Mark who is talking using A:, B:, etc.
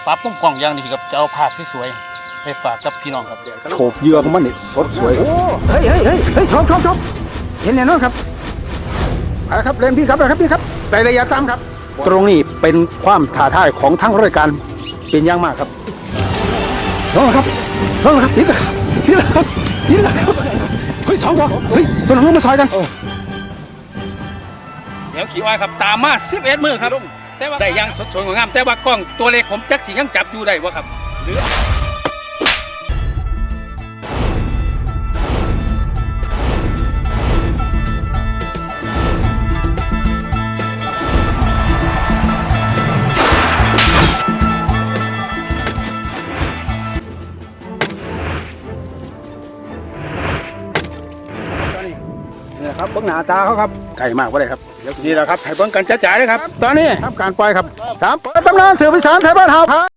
A: ปรับมุมกล้องอย่างดีครับจะเอาภาพสวยๆไปฝากกับพี่น้องครับ
B: โฉบเหยื่อของมันนี่สดสวยโอ้เฮ้ยชมเห็นแน่นอนครับเอาละครับเล่นพี่ครับนะครับพี่ครับในระยะ3ครับตรงนี้เป็นความท้าทายของทั้งรายการเป็นอย่างมากครับลงครับนี่แหละครับเฮ้ย2 ตัวเฮ้ยตัวนึงมาซอยกัน
A: เดี๋ยวขี่อ้อยครับตามมา11มือครับแต่ว่าได้ยังสดๆงามแต่ว่ากล้องตัวเล็กผมจักสิยังจับอยู่ได้บ่ครับหรือ
B: นี่ครับเบิ้งหน้าตาเขาครับไก่มากว่าเลยครับนี่แหละครับให้เบิ้งกันจ๋าๆเลยครับตอนนี้ทำการปล่อยครับ3เปิดตำนานเสือพิสารไทยบ้านเฮา